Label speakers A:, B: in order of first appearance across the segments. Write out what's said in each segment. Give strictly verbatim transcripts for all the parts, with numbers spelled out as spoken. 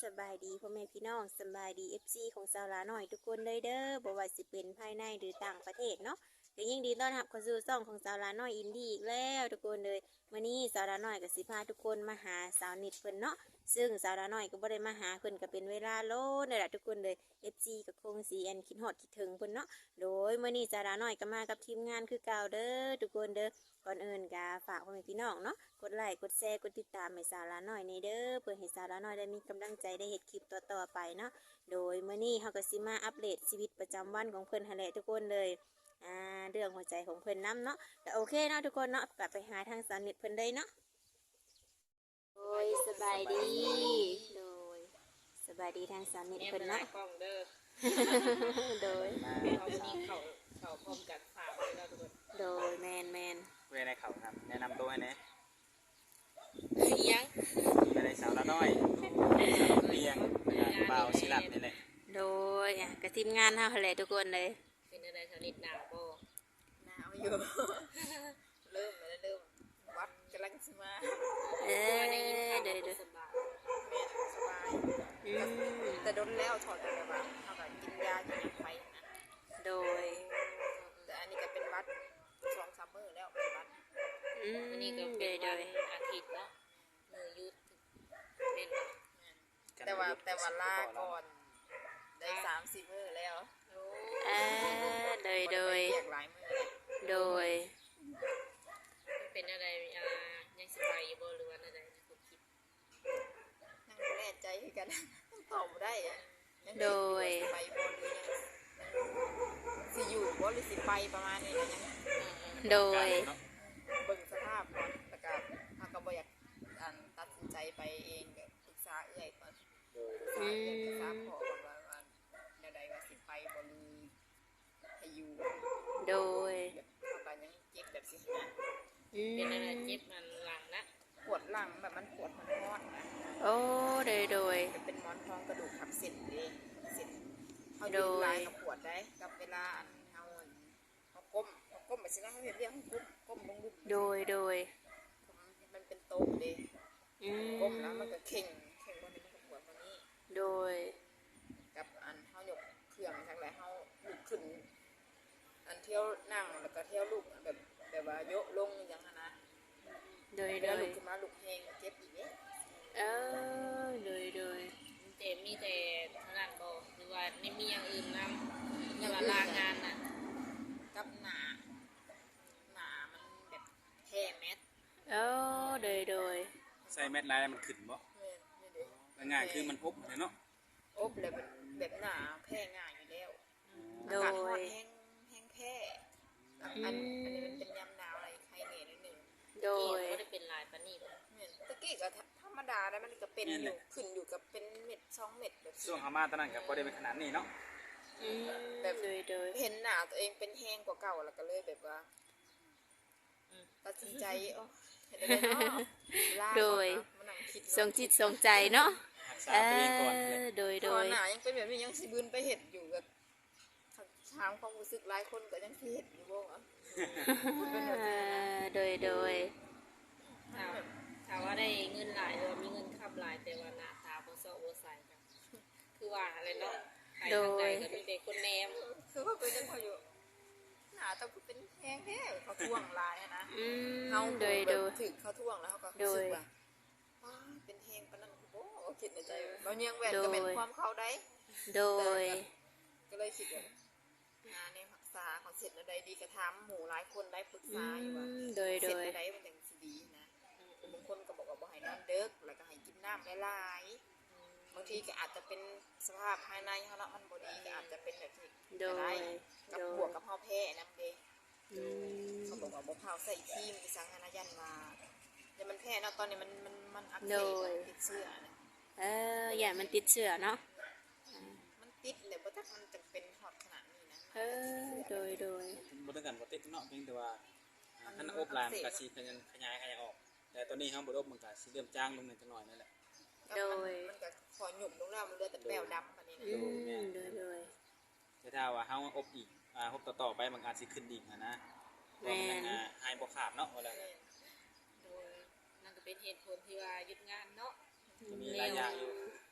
A: สบายดีพ่อแม่พี่น้องสบายดีเอฟซีของสาวลาหน่อยทุกคนเลยเด้อบ่ว่าสิเป็นภายในหรือต่างประเทศเนาะก็ยิ่งดีต้อนรับเข้าสู่ช่องของสาวลาหน่อยอินดี้อีกแล้วทุกคนเลยมื้อนี้สาวลาหน่อยก็สิพาทุกคนมาหาสาวนิดเพิ่นเนาะซึ่งสาวลาหน่อยก็บ่ได้มาหาเพิ่นก็เป็นเวลาโลดนั่นแหละทุกคนเลย เอฟ ซี ก็คงสิอันคิดฮอดคิดถึงเพิ่นเนาะโดยมื้อนี้สาวลาหน่อยก็มากับทีมงานคือเก่าเด้อทุกคนเด้อก่อนอื่นก็ฝากพ่อแม่พี่น้องเนาะกดไลค์กดแชร์กดติดตามให้สาวลาหน่อยในเด้อเพื่อให้สาวลาหน่อยได้มีกำลังใจได้เฮ็ดคลิปต่อๆไปเนาะโดยมื้อนี้เฮาก็สิมาอัปเดตชีวิตประจำวันของเพิ่นหั่นแหละทุกคนเลยอ่าเรื่องหัวใจของเพิ่นนํเนาะก็โอเคเนาะทุกคนเนาะกลับไปหาทางสาวนิทเพิ่นได้เนาะโดยสบายดีโดยสบายดีทางสาวนิทเพิ่นเนาะ
B: กล้องเด้อ
A: โดย
B: เขาวันนี้เขาเขาพร้อมกันฝากไว้แล้วทุกคน
A: โดยแมนแมน
C: เวในเขาครับแนะนำตัวให้แหน่
B: ยัง
C: ไปในสาวละน้อยสาวเปียงบ่าวศิลัดนี่แหละ
A: โดยอ่ะกับทีมงานเฮาหั่นแหละทุกคนเลย
B: เป็นอะไรชนิดหนาวบ่
D: หนาวอยู่ เริ่มแล้วเริ่มวัดกำลังสิมา
A: เออ
B: ได้ยินข่าว
A: เดี๋ยว
B: ว่า
A: เดี๋ยว
B: สบาย
D: แม่สบาย
A: อืม
D: แต่โดนแล้วถอดออกจากบ้านเท่ากับกินยากินยาไปนะ
A: โดย
D: แต่อันนี้ก็เป็นวัดสองสามมื้อแล้วเป็นวัด
A: อืม
B: วันนี้ก็
A: โด
B: เป็น
A: ยโด
B: วัน
A: ย
B: อาทิตย์เนาะมือยุดเป็น
D: แต่ว่าแต่ว่าลาก่อนได้สามสี่มื้อแล้ว
B: โอ้
A: อ่าโดยโดย
D: เรียกหลายมื้อเลย
A: โดย
B: เป็นอะไรอ่ายังสบายอยู่บ่หรือว่าอะไรนะคุณคิด
D: ยังไม่แน่ใจคือกัน ตอบบ่ได้อะยัง
A: โดย
D: ไปบ่หรือยังสิอยู่บ่หรือสิไปประมาณนี้นะยัง
A: โดย
C: เนาะ
D: เบิ่งสภาพก่อนแล้วก็ถ้าก็บ่อยากอันตัดสินใจไปเองก็ปรึกษาเอื้อยก่อนปรึกษาเอื้อยปรึกษาพ่อก่อนว่าว่าแนวใดว่าสิไปบ่หรือให้อยู่
A: โดย
D: แบบเขาก็ยังเจ็บแบบสินะ
A: อืม
B: เป็นอะไรเจ็บมันหลังนะ
D: ปวดหลังแบบมันปวดมันฮอดนะ
A: โอ้โดยโดย
D: จะเป็นหมอนทองกระดูกทับเส้นเด้เส้นเขา
A: โด
D: ยื
A: ย
D: นลายกับปวดได้กับเวลาอันเฮาอันเฮาก้มเฮาก้มไปสินะเขาเห็นเรียกเขาก้มก้มลงลุก
A: โดยโดย
D: มันเป็นโต๊ะเด้
A: อืม
D: ก้มแล้วมันก็เข่งเข่งวันนี้มันก็ปวดวันนี้
A: โดย
D: กับอันเฮายกเครื่องทั้งหลายเฮาลุกขึ้น อันเที่ยวนั่งแล้วก็เที่ยวลุกแบบแบบว่าโยกลงอย่างนั้นนะ
A: โดย
D: เว
A: โด
D: ลาย ลุกขึ้นมาลุกแหงเจ็บอีกเด้
A: เออโดยโดย
B: แต่มีแต่เท่านั้นบ่หรือว่าไม่มีอย่างอื่นนำหรือว่าลางานน่ะ
D: กับหนาหนามันแบบแท้แมส
A: โอ้โดยโดย
C: ใส่แมทลายแล้วมันขึ้นบ่
D: นี่เด้
C: ง่ายๆคือมันอบเลยเนาะ
D: อบเลยแบบแบบหนาแพ้ง่ายอยู่แล้ว
A: โด
D: อากาศร้อน
A: ย
D: แห้งแห้งแพ้อันอันอันนี้มันเป็นยำหนาวอะไรใครเหนื่อยนิดหนึ่ง
A: โด
B: ที่
A: ย
B: บ่ได้เป็นลายปานนี้บ่
D: เหมือนตะกี้ก็ธรรมดาแล้วมันก็เป็นอยู่ขึ้นอยู่กับเป็นเม็ดสองเม็ดแบบ
C: ช่วงเฮามาตอนนั้นก็บ่ได้เป็นขนาดนี้เนาะ
A: อืมโดยโดย
D: เห็นหนาตัวเองเป็นแห้งกว่าเก่าแล้วก็เลยแบบว่าตัดสินใจโอ้เห็นได้เนาะลาก่อนนะมานั่งคิด
A: ทรงจิตทรงใจเนาะ
C: รักษา
A: เอ
C: ตัวเองก่อน
A: อ
C: เลย
A: โดยโด
D: ตอย นหนายังเป็นแบบนี้ยังสิบืนไปเห็ดอยู่แบบทางความรู้สึกหลายคนก็ยังสิเห็ดอยู่บ่วะ
A: เออโดยโดย
B: ถ้าถ้าว่าได้เงินหลายหรือว่ามีเงินขับหลายแต่ว่าหน้าตาบ่เซาะบ่ใสกันคือว่าอะไรเนาะใครทางใดก็มีแต่คนแนม
D: คือว่าเป็นจังพออยู่หนาต้องเป็นแห้งแท้เขาท่วงลายอะนะ
A: อืม
D: เขา
A: โดย
D: แบ
A: โด
D: บ
A: ย
D: ถึงเขาท่วงแล้วเขาก็
A: โด
D: รู้สึ
A: ย
D: กว่าว้าเป็นแห้งปานนั้นโอ้คิดในใจเราเนียงแหวนก็เป็นความเข้าได้
A: โดย
D: ก็เลยคิดว่าหาในรักษาของเสร็จอะไรดีกระทำหมู่หลายคนได้ปรึก
A: อื
D: ษาอยู่ว่า
A: มโดย
D: เส
A: โด
D: ร็จ
A: ย
D: อะไรมันจังสิดีนะบางคนก็บอกว่าบ่ให้นอนเด็กแล้วก็ให้กินน้ำหลายๆบางทีก็อาจจะเป็นสภาพภายในเขาเนาะมันบ่ดีก็อาจจะเป็นแบบนี้
A: โด
D: ก็ได้
A: ย
D: กับ
A: โด
D: บวย กกับเฮาแพ้นำเด้
A: อืม
D: เขาบอกว่าบ่เผาใส่ครีมไปสังหายันมาแต่มันแพ้เนาะตอนนี้มันมันมันอักเสบมันติดเชื้อนะ
A: เอออย่ามันติดเชื้อเนาะ
D: มันติดเลยบ่ทักมันจะเป็นฮอดขนาดนี้นะ
A: เออโดยโดย
C: บ่ต้องกันบ่ติดเนาะเพียงแต่ว่าอ่าคันอบลายมันก็สิขยันขยายขยายออก แต่ตอนนี้เฮาบ่อบมันก็สิเริ่มจางลงนิดจังหน่อยนั่นแหละ
A: โดย
D: มันก็ขอหยุบลงแล้วมันเหลือแต่แป้วดำอันนี้นะ
A: อืมโดยโดย
C: แต่ถ้าว่าเฮาอบอีกอ่าอบต่อๆไปมันอาจสิขึ้นอีกนะนะเพราะมันอ่าหายบ่ขาดเนาะว่าแล้ว
B: โดยนั่นก็เป็นเหตุผลที่ว่าหยุดงานเนาะ
C: ก็มีหลายอย่างอยู่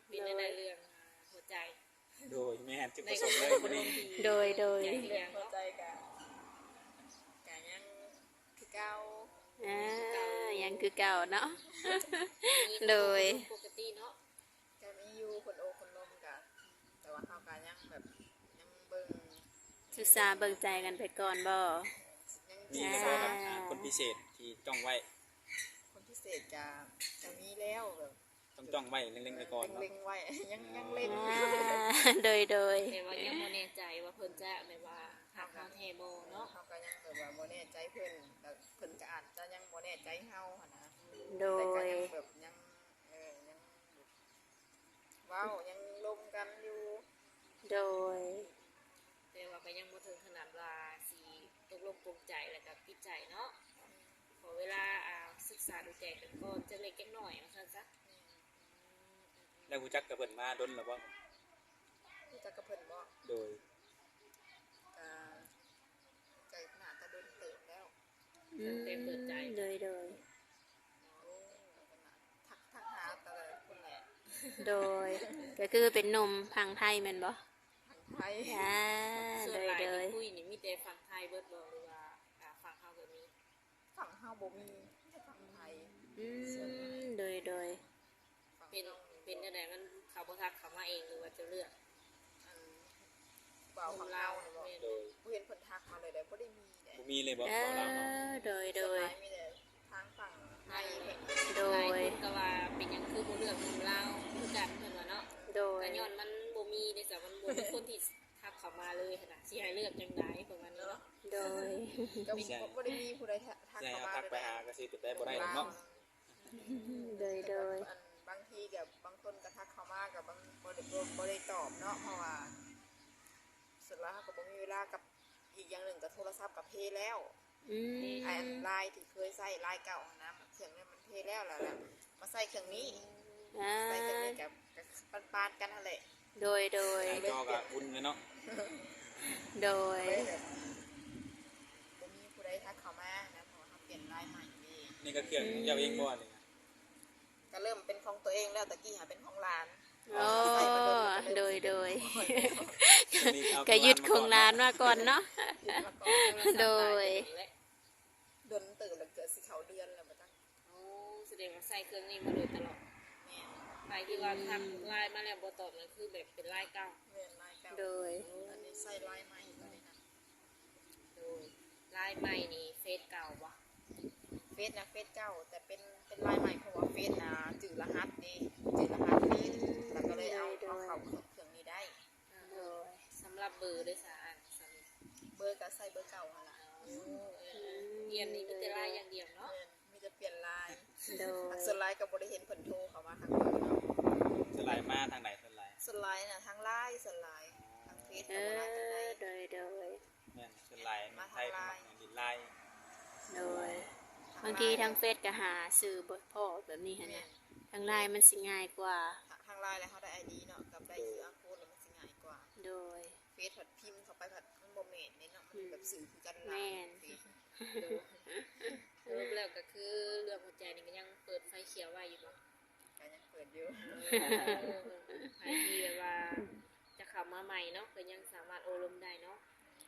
B: เป็นในเรื่องหัวใจ
C: โดยแม่นจุดประสงค์เลยวันนี้
A: โดยโดย
B: ใจ
D: เรื่
B: เรื่
D: อ
B: อง ง
D: เข้า
B: เนาะ
D: ใจกะกะยังคือเก่า
A: อ่ายังคือเก่าเนาะ โดย
B: ปกติเนาะ
D: ก็มีอยู่คนโอคนลมกะแต่ว่าเขากะยังแบบยังเบิ่ง
A: ศึกษาเบิ่งใจกันไปก่อนบ่
D: ยัง
C: มี
D: จี
C: เลย
D: บ
C: บ่ครับอ่าคนพิเศษที่จ้องไว้
D: คนพิเศษกะจะมีแล้วแบบ
C: ต้องจ้องไว้เล็งๆไปก่อนเนาะ
D: เล็งๆไว้ ยังยังเล่น
A: อ่าโดยโดย
B: แต่ว่ายังบ่แน่ใจว่าเพิ่นจะแบบว่าหักเฮาแท้บ่เนาะ
D: เขาก็ยังแบบว่าโมแน่ใจเพิ่นแล้วเพิ่นก็อาจจะยังโมแน่ใจเฮาหั่นนะ
A: โด
D: แต่ก็
A: ย
D: ยังแบบยังเออยังเว้ายังลมกันอยู่
A: โดย
B: แต่ว่าก็ยังบ่ถึงขนาดว่าสิตกลงปลงใจแล้วก็ปิดใจเนาะขอเวลาอ่าศึกษาดูใจกันก่อนจะเล็กจักหน่อยว่าซั่นซะ
C: แล้วรู้จักกับเพิ่นมาดนแล้วบ่
D: รู้จักกับเพิ่นบ่
C: โดย
D: ก็ใจหนาตะดนเติบแล้ว
A: อืมโดยโดย
D: โอ้ทักทักหาแต่ละคนแหละ
A: โดย ก็คือเป็นหนมพังไทยแม่นบ่
D: ทางไทย
A: อ่า
B: ส่ว
A: โด
B: น
A: ย
B: หลาย
A: โดย
B: ที่คุยนี่มีแต่ฝั่งไทยเบิดบ่หรือว่าอ่าฝั่งเฮาก็มี
D: ฝั่งเฮาบ่มีแต่ฝั่งไทย
A: อืมโดยโดย
D: ฝั่ง
B: เป็น
D: เฮา
B: เป็นจังไดมันเขาบ่ทักเขามาเองหรือว่าจะเลือก
D: อันบ่าวฝั่งเฮาเนี่ยบ่
C: โดย
D: บ่เห็นเพิ่นทักมาเลยได้บ่ได้มีเด้
C: บ่มีเลยบ่
A: เอ
C: บ่ลาวเนาะ
A: อโดยโด
D: ส่วน
A: ย
D: หลายมีแต่ทางฝั่งไทยเพิ่น
A: โด
B: หลาย
A: ย
B: คนก็ว่าเป็นหยังคือบ่เลือกหนุ่มลาวคือกันเพิ่นว่าเนาะ
A: โดย
B: ก็ย้อนมันบ่มีในสามันบ่มีคนที่ทักเขามาเลยขนาดสิให้เลือกจังไดประมาณนี้เนาะ
A: โดย
D: ก็บ่ได้มีผู้ใดทัก
C: ใช่
D: เข้า
C: เอา
D: มา
C: ทักไปหาก็สิเป็นได้บ่ได้หรอกเนาะ
A: โดยโดย
D: อันบางทีกับบางคนก็ทักเข้ามากับบางบ่ได้บ่ได้ตอบเนาะเพราะว่าสุดแล้วเขาก็บ่มีเวลากับอีกอย่างหนึ่งก็โทรศัพท์กับเพแล้ว
A: อืม
D: ไอ้ไลน์ที่เคยใช้ไลน์เก่าหั้นนะเครื่องนี้มันเพแล้วแล้วแหละมาใส่เครื่องนี้
A: อ่า
D: ใส่เครื่องนี้กับกับปานๆกันนั่นแหละ
A: โดยโดย
C: หน้าจอก็อุ่นเลยเนาะ
A: โดย
D: เลยแบบบ่มีผู้ใดทักเข้ามานะเพราะว่าเขาเปลี่ยนไลน์ใหม่นี่
C: นี่ก็เครื่องของเจ้าเองบ่นี่นะ
D: ก็เริ่มเป็นของตัวเองแล้วตะกี้หาเป็นของหลาน
A: โอ้โดยโดย
C: ตัวนี้เอา
A: ก็ยึดของร้านมาก่อนเนาะ
D: แล้วก็
A: โดย
D: เดินตื่นแล้วเกิดสิเขาเดือนแล้วมาตั้ง
B: โอ้แสดงว่าใส่เครื่องนี้มาโดยตลอด
D: เนี่ย
B: ไปที่ว่าทำไลน์มาแล้วบ่ตอบนั่นคือแบบเป็นไลน์เก่า
D: เวียนไลน์เก่า
A: โดย
D: อันนี้ใส่ไลน์ใหม่ตัวนี้นะ
B: โดยไลน์ใหม่นี่เฟซเก่าบ่
D: เฟซนะเฟซเก่าแต่เป็นเป็นไลน์ใหม่เพราะว่าเฟซนะจืดรหัสดีจืดรหัสดีแล้วก็เลยเอาเอาเข้าเครื่องนี้ได้
A: โดย
B: สำหรับเบอร์ด้วยสาอันสำหรับ
D: เบอร์ก็ใส่เบอร์เก่าหั่นล่ะ
B: เรียนนี่มีแต่ไลน์อย่างเดียวเนาะ
D: เออมีจะเปลี่ยนไลน์
A: โดย
D: ส่วนไลน์ก็บ่ได้เห็นเพิ่นโทรเข้ามาทางเบอร์เนาะ
C: สไลด์มาทางไหนสไลด์
D: ส่วนไลน์น่ะทางไลน์ส่วนไลน์ทางเฟซ
A: เอ
D: ก็บ่ได้ทางใด
A: อโดยโดย
C: แม่นสไลด์มันไทยมันดินไลน์
A: โดย บางทีทางเฟซก็หาสื่อบทพ่อแบบนี้ฮะนะทางไลน์มันสิง่ายกว่า
D: ทางไลน์แล้วเขาได้ ไอ ดี เนาะกับได้ซื้ออาโค้ดแล้วมันสิง่ายกว่า
A: โดย
D: เฟซผัดพิมพ์เข้าไปผัดมันบ่แม่นนี่เนาะมันแบบสื่อคือกันหลาย
A: แม่น
D: เฟซ
B: สรุปแล้วก็คือเรื่องหัวใจนี่ก็ยังเปิดไฟเขียวไว้อยู่บ่
D: ก็ยังเปิดอยู่
B: ใครที่แบบว่าจะเข้ามาใหม่เนาะก็ยังสามารถโอลมได้เนาะ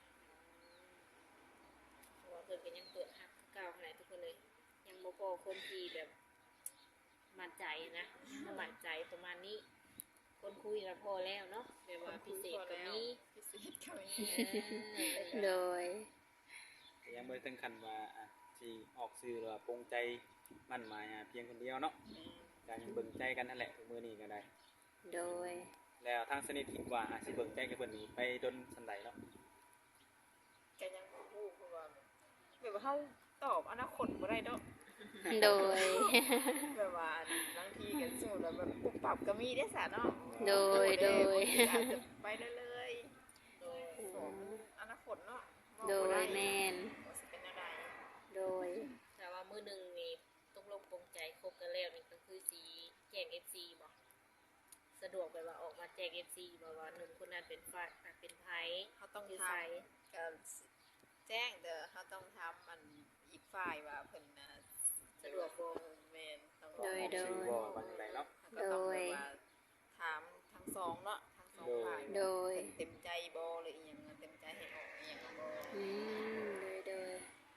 B: เพราะว่าเพิ่นก็ยังเปิดฮักเก่าขนาดทุกคนเลย ยังบ่พอคนที่แบบมั่นใจนะบ่มั่นใจประมาณนี้ คนคุยแล้วพอแล้วเนาะแบบว่าพิเศษกว่านี้
D: พิเศษก็มี
A: โดย
C: แต่ยังบ่ได้ถึงขั้นว่าอ่ะสิออกสื่อหรือว่าปรงใจมั่นหมายอ่ะเพียงคนเดียวเนาะก็ยังเบิ่งใจกันนั่นแหละทุกมื้อนี้ก็ได้
A: โดย
C: แล้วทางสนิทคิดว่าอาจสิเบิ่งใจกับเพิ่นนี้ไปดนสันใดเนาะ
D: ก็ยังบ่ฮู้เพราะว่าแบบว่าเฮาตอบอนาคตบ่ได้เนาะ
A: โดย
D: แบบว่าบางทีก็สมมุติว่าแบบปุบปับก็มีได้ซะเนาะ
A: โดยโดย
D: อาจจะไปเรื่อยๆโดยของอนาคตเนาะ
A: โดยแมน
D: ว่าสิเป็นอะไร
A: โดย
B: แต่ว่ามื้อหนึงนี่ตกลงปรงใจคบกันแล้วนี่ก็คือสิแจ้ง เอฟ ซี บ่สะดวกแบบว่าออกมาแจ้ง เอฟ ซี บ่ว่าหนุ่มคนนั้นเป็นฝ่ายอ่ะเป็นไผ
D: เขาต้อง
B: คือ
D: ท
B: ไผ
D: ำก็แจ้งเด้อเขาต้องทำมันอีกฝ่ายว่าเพิ่นน่ะสะดวกบ่แม่นต้อง
A: โดยโดย
C: ชื่อบ่ว่าจังไดเนาะ
D: เขาก็ต้องแบบว่าถามสองเนาะทั้งสองฝ่าย
A: โดย
D: เต็มใจบ่หรืออีหยังเต็มใจให้ออกอีหยังบ่
A: อืมโดยโดย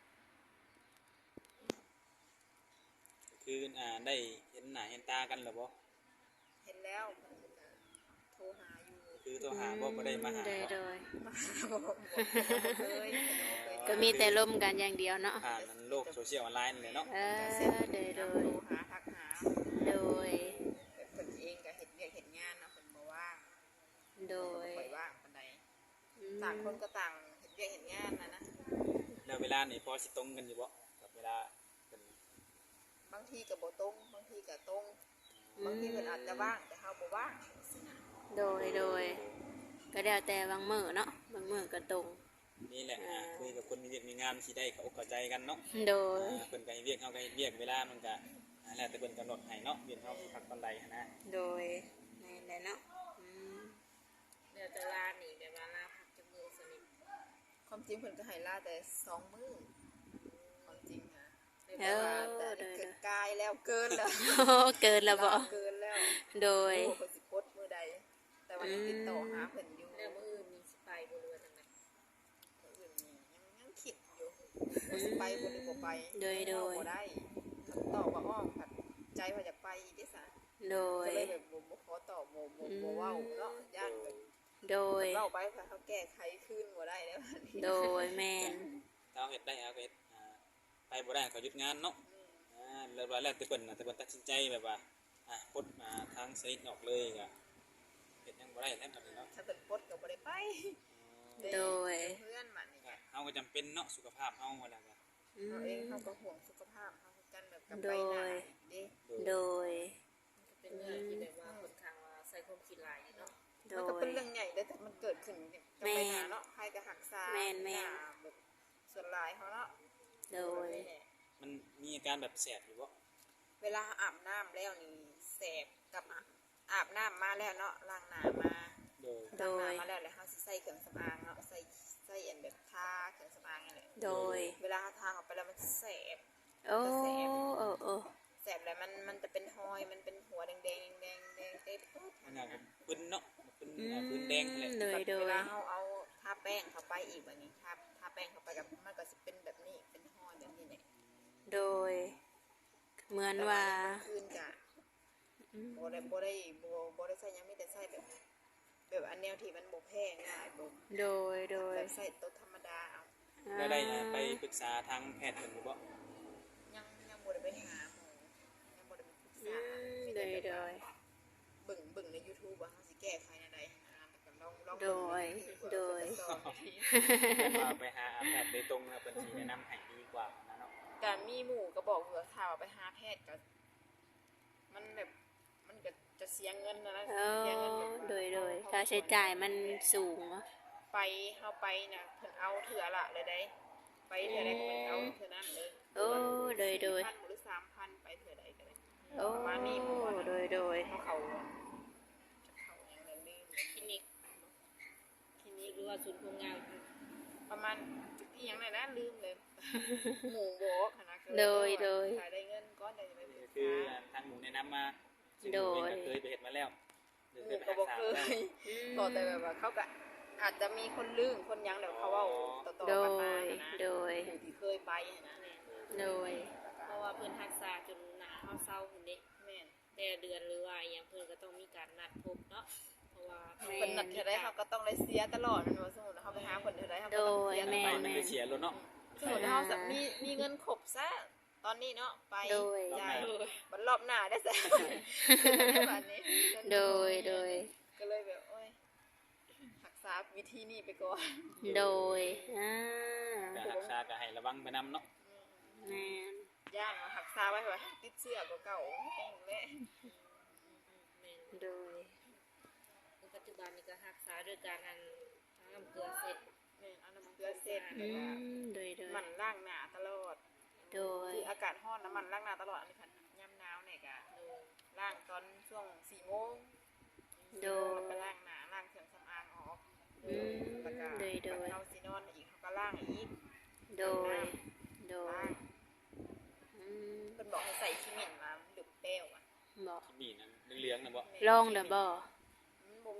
C: คืออ่าได้เห็นหน้าเห็นตากันหรือบ่
D: เห็นแล้วเพิ่นก็โทรหาอยู่
C: คือตัวหาบ่บ่ได้มาหา
A: โดยโดย
D: มาหาบ่บ่เคย
A: ก็มีแต่ล่มกันอย่างเดียวเนาะ
C: ผ่านมันโลกโซเชียลออนไลน์เลยเนาะ
A: เออโดยโด
D: โทร
A: ย
D: หาทักหา
A: โดย
D: แต่เพิ่นเองก็เฮ็ดเวียกเฮ็ดงานเนาะเพิ่นบ่ว่าง
A: โดย
D: บ่ค่อยว่างปานใด
A: อืม
D: ต่างคนก็ต่างเฮ็ดเวียกเฮ็ดงานนะนะ
C: แล้วเวลานี่พอสิตรงกันอยู่บ่กับเวลาเป็น
D: บางทีก็บ่ตรงบางทีก็ตรงบางทีเพิ่นอาจจะว่างแต่เฮาบ่ว่างสินะ
A: โดยโดยก็แล้วแต่บางมื้อเนาะบางมื้อก็ตรง
C: นี่แหละอ่าคุยกับคนมีเวียกมีงานสิได้เข้าอกเข้าใจกันเนาะ
A: โดย
C: อ่าเพิ่นก็ให้เวียกเฮาก็ให้เวียกเวลามันก็อ่าแล้วแต่เพิ่นกำหนดให้เนาะเวียกเฮาสิพักตอนใดหันนะ
A: โดยนั่นแหละเนาะอืม
B: เดี๋ยวจะลาหนีแบบว่าลาพักจมูกสนิท
D: ความจริงเพิ่นก็ให้ลาแต่สองมื้อความจริงนะ
A: เอ
D: แต่ว่า
A: อ
D: แต่
A: โดย
D: เกินกายแล้วเกินแล้ว
A: เกินแล้วบ่
D: เกินแล้ว
A: โดย
D: โอ้เพิ่นสิโพสต์มื้อใด แต่ว่ายังติดต่อหาเพิ่นอยู่
B: แล้วมื้ออื่นมีสิไปบ่รู้ว่าจังได
D: มื้ออื่นนี่ยังยังคิดอยู่ว่าสิไปบ่หรือบ่ไป
A: โดยโดย
D: บ่ได้คำตอบว่าอ้อมผัดใจว่าจะไปอีกเด้ซะ
A: โดย
D: ก็เลยแบบบ่บ่ขอตอบบ่บ่บ่เว้าเนาะย่านแบบ
A: โดย
D: เล่าไปเพื่อเขาแก้ไขขึ้นบ่ได้แล้วบัดนี้
A: โดยแมน
C: ถ้าเอาเฮ็ดได้เอาก็เฮ็ดอ่าไปบ่ได้ก็หยุดงานเนาะอ่าแล้วว่าแล้วแต่เพิ่นน่ะแต่เพิ่นตัดสินใจแบบว่าอ่ะปลดมาทางสนิทออกเลยก็เฮ็ดหยังบ่ได้แล้วบัดนี้เนาะ
D: ถ้าเป็นปลดก็บ่ได้ไป
A: โดย
D: เพื่อนมันนี่
C: ก็เฮาก็จำเป็นเนาะสุขภาพเฮาว่าแล้วก็
A: อื
D: เรา
A: ม
D: เองเขาก็ห่วงสุขภาพเขาคือกันแบบกับ
A: โด
D: ไป
A: ย
D: หน้าเด้
A: โดย
B: เป็นเรื่องที่แบบว่าค่อนข้างว่าใส่ความคิดหลายอยู่เนาะ
A: โด
D: มันก็
A: ย
D: เป็นเรื่องใหญ่เด้อแต่มันเกิดขึ้นกับไปหน้าเนาะใครก็หักษา
A: แม่นแม่น
D: หาแบบส่วนหลายเขาเนาะ
A: โดย
D: แบบนี้แหละ
C: มันมีอาการแบบแสบอยู่บ่
D: เวลาอาบน้ำแล้วนี่แสบกับอาอาบน้ำมาแล้วเนาะล้างหน้ามา
C: โดย
A: โด
D: ล้างหน้าย มาแล้วแล้วเฮาสิใส่เครื่องสำอางเนาะใส่ใส่อันแบบทาเครื่องสำอางนั่นแหละ
A: โดย
D: เวลาทาออกไปแล้วมันแสบ
A: โอ้โอ้โอ้
D: แสบแล้วมันมันจะเป็นหอยมันเป็นหัวแดงแดงแดงแดงเต็มปุ๊บ
C: มันน่ะก็ปึ้นเนาะปึ้นอ่าปึ้นแดงนั่นแหละ
A: โดยโด
D: เวย ลาเราเอาทาแป้งเข้าไปอีกแบบนี้ทาทาแป้งเข้าไปกับมันก็จะเป็นแบบนี้เป็นหอยแบบนี้แหละ
A: โดย เหมือนว่า
D: คืนกะโบได้โบได้โบโบได้ใส่ยังไม่ได้ใส่แบบ แบบอันแนวที่มันโบแพงง่ายโบ
A: โดยโดย
D: แบบใส่ตัวธรรมดาเอา
C: แล้วได้อ่าไปปรึกษาทางแพทย์เพิ่นอยู่บ่
D: ยังยังโบได้ไปหาหมอยังโบได้ไปปรึก
A: อื
D: ษาม
A: โดยโดย
D: เบิ่งเบิ่งใน YouTube ว่าเขาสิแก้ไขอะไรนะแต่ก็ลองลอง
A: โดยโดย
C: ว่าไปหาแพทย์โดยตรงนะเพิ่นสิแนะนำให้ดีกว่านะเนาะ
D: การมีหมู่ก็บอกเผื่อถ้าว่าไปหาแพทย์ก็มันแบบมันก็จะเสียเงินนะนะ
A: เอ
D: เสียเงิน
A: อ
D: แบบว่า
A: โดยโดยค่าใช้จ่ายมันสูงเนาะ
D: ไปเข้าไปนะเพิ่นเอาเถื่อละเลยได้ ไปเถื่อใดก็เป็นเอาเถื่อนั้นเลย
A: โอ้โดยโดย
D: พันหรือสามพันไปเถื่อใดก็ได้
A: โอ้โดยโดย
D: เขาเขาจะเขาอย่างนั้นลืม
B: คลินิกคลินิกหรือว่าศูนย์ความงาม
D: ประมาณอีหยังไงนะลืมเลย หมู่บอกหั้นนะก็เล
A: โดยโดย
D: ถ้าได้เงินก้อนใดจะไปปรึก
C: คือ
D: ษา
C: ทางหมู่แนะนำมาซึ่ง
A: โดย
C: เองก็เคยไปเฮ็ดมาแล้วหรือ
D: ห
C: เค
D: มู่
C: ยไป
D: ก็
C: รัก
D: บอก
C: ษา
D: เค
C: มาแล้ว
D: ยบอกแต่แบบว่าเขาก็อาจจะมีคนลืมคนหยังเดี๋ยวเขาเว่าต่อ
A: โด
D: ๆกันมาย นะ
A: โดย
D: หมู่ที่เคยไปหั้นนะ
A: โดย
B: เพราะว่าเพิ่นรักษาจนหนาเฮาเศร้าพุ่นเด้
D: แม่น
B: แต่เดือนหรือว่าอหยังเพิ่นก็ต้องมีการนัดพบเนาะเพราะว่า
A: แม่
D: คนนัดเท่าไรเขาก็ต้องได้เสียตลอดมันว่าสมมุติเขาไปหาคนเท่าไรเขาก็
A: โด
D: ต้อง
A: ย
D: เสีย
A: แม่
C: ไป
A: น
C: มันไปเสียรถเนาะ
D: สมมติเขาจะมีมีเงินครบซะตอนนี้เนาะไป
A: โดย
D: จ่ายมันรอบหน้าได้ซะแบบนี้
A: โดยโดย
D: ก็เลยแบบโอ้ยรักษาวิธีนี้ไปก่อน
A: โดยอ่า
C: การรักษาก็ให้ระวังไปนำเนาะ
A: แม่น
D: ย่านมารักษาไว้ว่าติดเชื้อกว่าเก่าแห้งแม่
B: แม่น
A: โดย
B: ในปัจจุบันนี้ก็รักษาด้วยการอันทางน้ำเกลือเสร็จ
D: แม่เอาน้ำเกลือเสร็จ
A: อื
D: แล้วก็
A: มโดยโดย
D: มันล้างหน้าตลอด
A: โดย
D: คืออากาศร้อนน้ำมันล้างหน้าตลอดอันนี้ค่ะย่ำหนาวเนี่ยก็ล้างตอนช่วงสี่โมง
A: โดย
D: ไปล้างหน้าล้างเครื่องสำอางออก
A: อืม
D: แล้วก็
A: โดยโดย
D: เขาซีนอนอีกเขาก็ล่างอีก
A: โดย โดย
D: ล่าง
A: อืม
D: เพิ่นบอกให้ใส่ขี้เหม็นมาหรือเปรี้ยวอ่ะ
A: บอก
C: ที่มีนั่นเหลืองๆนะบ่
A: ลองเด้อบ่
D: มันบ่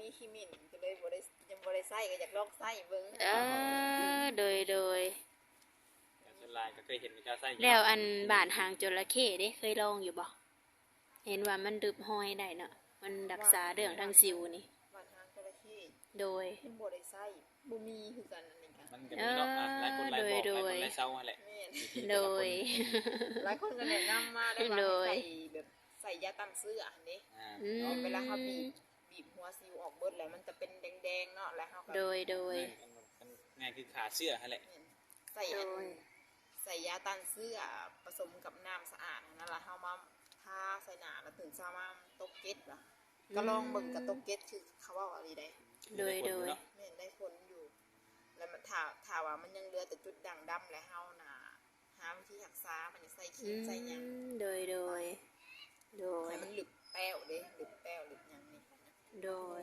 D: มีขี้หมิ่นก็เลยบ่ได้ยังบ่ได้ใส่ก็อยากลองใส่เบิ่ง
A: เออโดยโดย
C: อย่างส่วนหลายก็เคยเห็นมีการใส่
A: แล้วอันบาดหางจระเข้เด้เคยลองอยู่บ่เห็นว่ามันดึบห้อยได้เนาะมันรักษาเรื่องทางสิวนี่
D: บ้านทางจระเข้
A: โดย
D: ยังบ่ได้ใส่บ่มีคือกันอันนี้กัน
C: มันก็มีเนาะอ่ะหลายคนหลายบอกหลายคนหลายเศร้าหั่นแหละ
D: แม่น
A: โดย
D: หลายคนก็แนะนำมาได้ว่า
A: โดย
D: ให้ใส่แบบใส่ยาต้านเสื้ออันนี้
C: อ่า
A: อืม
D: เนาะเวลาเขาบีบบีบหัวซิวออกเบิดแล้วมันจะเป็นแดงๆเนาะแล้วเขาก็
A: โดยโดย
C: มันมันง่ายคือขาเสื้อหั่นแหละ
D: ใส่
A: โด
D: อัน
A: ย
D: ใส่ยาต้านเสื้อผสมกับน้ำสะอาดนั่นแหละเขามาทาใส่หน้าแล้วตื่นเช้ามาตกเก็ตล่ะก็ลองเบิ่งกับตกเก็ตคือเขาว่าอะไรได้
A: โดยโดย
D: แม่นได้ผลอยู่ แล้วมันถ้าถ้าว่ามันยังเหลือแต่จุดด่างดำแล้วเฮาน่ะหาวิธีรักษามันจะใส่ครี
A: อื
D: มใส่หยัง
A: มโดยโดยโดย
D: ให้มันหลึกแป้วเด้หลึกแป้วหลึกหยังนี่
A: โดย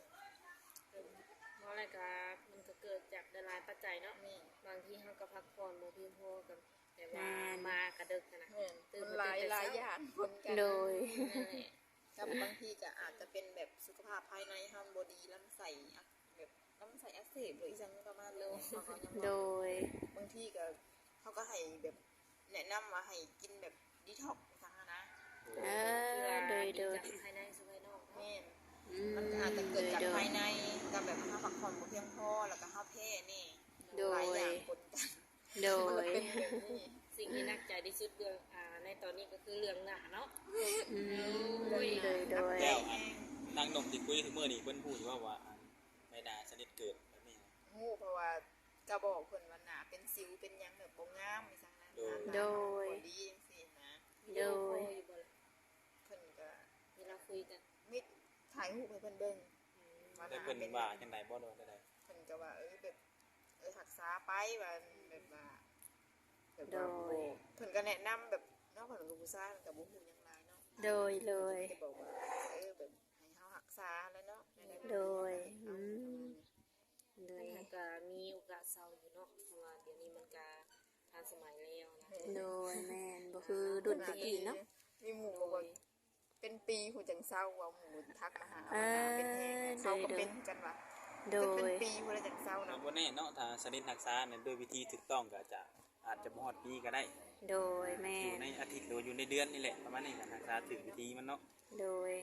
B: เพราะอะไรก็มันก็เกิดจากหลายๆปัจจัยเนาะ
D: แม่น
B: บางทีเขาก็พักผ่อนบ่เพียงพอกันแต่ว่า
A: แม่น
B: มากระดึกนะ
D: แม่นมันหลายหลายอย่างคนกัน
A: โดย
B: นั่นแหละ
D: กับบางทีก็อาจจะเป็นแบบสุขภาพภายในเฮาบ่ดีลำไส้อักแบบลำไส้อักเสบหรืออีสังประมาณเลยเขาก็ยัง
A: โด
D: ว่าย บางทีก็เขาก็ให้แบบแนะนำว่าให้กินแบบดีท็อกซ์ซะนะ
A: เออโดยโดย
B: จากภายในสู่ภายนอก
D: แม่น
A: อืม
D: มันอาจจะเกิดจาก
A: โดย
D: ภายในกับแบบเฮาพักผ่อนบ่เพียงพอแล้วก็เฮาแพ้นี่
A: โดย
D: หลายอย่างปนกัน
A: โด
D: มันเลย
A: ย
D: เป็นแบบนี้
B: สิ่งที่นักใจที่สุดเรื่องอ่าในตอนนี้ก็คือเรื่องหน้าเนาะ
A: อืมโดยโดยโดย
C: แล้วอันนางนมที่คุยถึงมื้อนี้เพิ่นพูดอยู่ว่าว่าอันไม่น่าสนิทเกิดแบบนี้นะ
D: ฮู้เพราะว่ากระบอกเพิ่นว่าหน้าเป็นสิวเป็นหยังแบบบ่งามอีสังนั้น
A: โดย
D: บ่ดีจังซี่นะ
B: วิดีโอคอลอยู่บ่ล่ะ
D: เพิ่นก็
B: เวลาคุยกัน
D: มิดถ่ายรูปให้เพิ่นเบิ่งว่าห
C: แต่
D: น้า
C: เพิ่น
D: เป็น
C: ว่าจังไดบ่โดนได้
D: เพิ่นก็ว่าเออแบบเออรักษาไปว่าแบบว่าแบบ
A: โด
D: ว่าย บ่เพิ่นก็แนะนำแบบเนาะเพิ่นก็ผู้ชายมันก็บ่ฮู้หยังหลายเนาะ
A: โดยโดย
D: จะบอกว่าเออแบบให้เฮารักษาแล้วเนาะ
A: โดยอืมโดย
B: มันก็มีโอกาสเศร้าอยู่เนาะเพราะว่าเดี๋ยวนี้มันก็ทันสมัยแล้วนะ
A: โดยแม่นบ่คือรุ่นตะกี้เนาะ
D: มีหมู่บอกว่าเป็นปีหูจังเศร้าว่าหมู่ทักมาหา
A: เอ
D: ว่า
A: อ
D: เป็นแฮงเขาก็เป็นกันว่า
A: โด
D: เป็น
A: ย
D: ปีหูแล้วจังเศร้า
C: แล้ว
D: เนาะ
C: บ่แน่เนาะถ้าสนิทรักษาเนี่ยด้วยวิธีถูกต้องก็อาจจะอาจจะบ่ฮอดปีก็ได้
A: โดยแม่
C: อยู่
A: น
C: ในอาทิตย์หรือว่าอยู่ในเดือนนี่แหละประมาณนี้ก็รักษาถึงวิธีมันเนาะ
A: โดย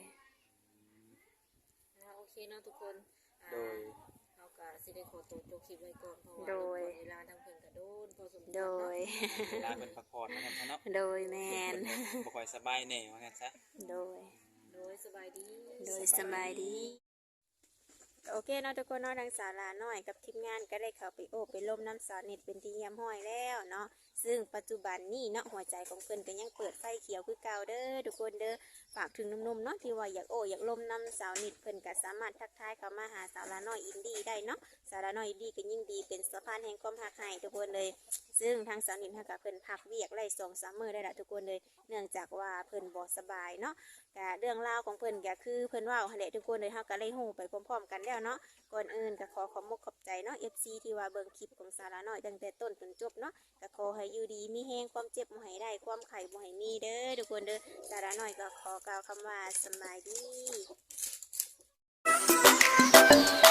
B: อ่าโอเคเนาะทุกคนอ่า
C: โดย
B: เราก็สิได้ขอตัวจบคลิปไว้ก่อนเพราะว่า
A: โดย
B: เวลาทางเพิ่นก็โดนพอสมควร
A: โด
B: เนาะ
A: ย
C: เวลาเป็นพักผ่อนแล้วกันซะเนาะ
A: โดยแม่น
C: บ่ค่อยสบายแน่ว่างั้นซะ
A: โดย
B: โดยสบายดี
A: โดยสบายดี โอเคเนาะทุกคนเนาะทางสาราน้อยกับทีมงานก็ได้เข้าไปโอบไปล่มน้ำสาวเน็ตเป็นที่เยี่ยมห้อยแล้วเนาะซึ่งปัจจุบันนี้เนาะหัวใจของเพิ่นก็ยังเปิดไฟเขียวคือเก่าเด้อทุกคนเด้อฝากถึงหนุ่มๆเนาะที่ว่าอยากโอ้อยากล่มน้ำสาวเน็ตเพิ่นก็สามารถทักทายเข้ามาหาสาวลาน้อยอินดี้ได้เนาะสาวลาน้อยอินดี้ก็ยิ่งดีเป็นสะพานแห่งความหักให้ทุกคนเลย ซึ่งทางสาวเน็ตเฮาก็เพิ่นพักเวียกไล่สองสามมื้อได้ละทุกคนเลย เนื่องจากว่าเพิ่นบ่สบายเนาะก็เรื่องราวของเพิ่นก็คือเพิ่นเว้าหั่นแหละทุกคนเลยเฮาก็เลยฮู้ไปพร้อมๆกันแล้วเนาะก่อนอื่นก็ขอขอบมกขอบใจเนาะ เอฟ ซี ที่ว่าเบิ่งคลิปของสาระน้อยตั้งแต่ต้นจนจบเนาะก็ขอให้อยู่ดีมีแฮงความเจ็บบ่ให้ได้ความไข้บ่ให้มีเด้อทุกคนเด้อสาระน้อยก็ขอกล่าวคำว่าสำบายดี